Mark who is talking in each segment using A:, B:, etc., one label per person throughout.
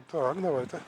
A: Так, давайте.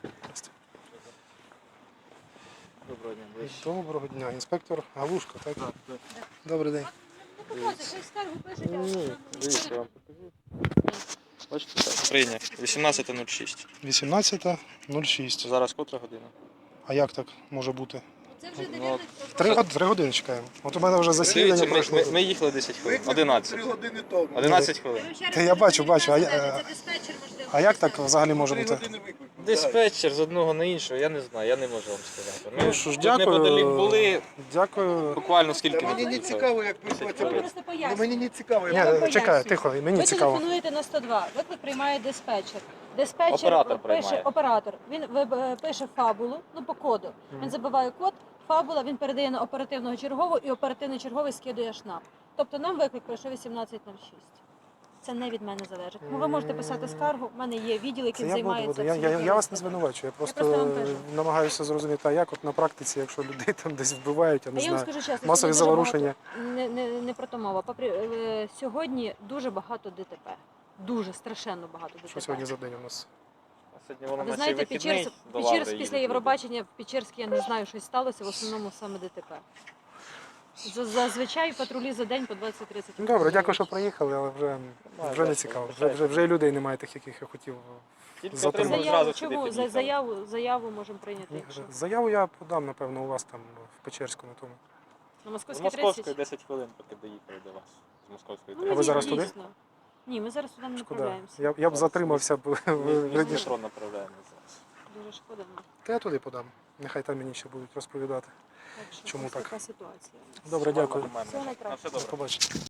B: Доброго дня, ближче.
A: Доброго дня. Інспектор Галушко, так?
B: Так.
A: Добрий день.
C: Ну, показуй, хай скаргу пишуть, а
B: Ні, дивіться, я вам покажу. Бачите, так, прийняв. 18.06.
A: 18.06.
B: Зараз котра година?
A: А як так може бути?
C: Це вже
B: Ну,
A: 3 години чекаємо. От у мене вже засідання
B: Дивіться,
A: пройшло.
B: ми їхали 10 хвилин. 11.
D: 3 години тому.
B: 11 хвилин.
A: Та я бачу, а
C: це диспетчер, можливо.
A: А як так взагалі може
D: 3
A: бути?
D: години виклику.
B: Диспетчер з одного на іншого, я не знаю, я не можу вам сказати. Ми
A: Ну що ж,
B: тут неподалік
A: дякую.
B: були
A: Дякую.
B: буквально скільки
D: Мені не
B: їхали?
D: цікаво, як
C: Ви
D: працювати.
C: просто пояснюєте.
D: Мені не цікаво, як
A: Ні, чекай, тихо, мені
C: Ви
A: цікаво.
C: телефонуєте на 102, виклик приймає диспетчер. Диспетчер
B: Оператор
C: пише,
B: приймає.
C: оператор, він пише фабулу, ну по коду. Він забиває код, фабула, він передає на оперативного чергового і оперативний черговий скидує ШНАП. Тобто нам виклик прийшов 18.06. Це не від мене залежить. Ну, ви можете писати скаргу, в мене є відділ,
A: Це
C: який
A: я буду.
C: займається.
A: Я вас не
C: абсолютно
A: звинувачую. Я
C: просто вам
A: просто
C: кажу.
A: намагаюся зрозуміти, а як от на практиці, якщо людей там десь вбивають, я
C: А
A: не
C: я вам
A: знаю.
C: скажу чесно,
A: Масові
C: сьогодні дуже
A: заворушення.
C: багато- не про то мова. Сьогодні дуже багато ДТП. Дуже страшенно багато ДТП.
A: Що сьогодні за день у нас?
B: Сьогодні воно
C: Ви
B: на
C: знаєте,
B: цей вихідний до
C: Печерськ
B: Лаври
C: після
B: їдуть.
C: Євробачення в Печерській, я не знаю, щось сталося, в основному саме ДТП. Зазвичай патрулі за день по 20-30.
A: Ну, добре, дякую, що приїхали, але вже не цікаво. Вже і людей немає тих, яких я хотів.
B: Тільки
A: затримали.
B: отримали зразу сюди
C: Чому?
B: під'їхали.
C: Заяву можемо прийняти. Якщо.
A: Заяву я подам, напевно, у вас там в Печерську на тому.
C: На
B: З
C: Московській
B: Московської
C: 30?
B: 10 хвилин, поки доїхали до вас. З Московської
C: Ну,
A: А ви
B: 30.
A: зараз туди?
C: дійсно. Ні, ми зараз туди не
A: Шкода.
C: направляємося.
A: Я б затримався б
B: Ми з
A: раніше.
B: метро направляємо зараз.
C: Дуже шкода.
A: Та я туди подам. Нехай там мені ще будуть розповідати.
C: Так що
A: Чому
C: ось
A: так?
C: така ситуація.
A: Добре, дякую.
B: Нормально.
C: Всього найкращого.
B: На все
A: До
B: добре.
A: побачення.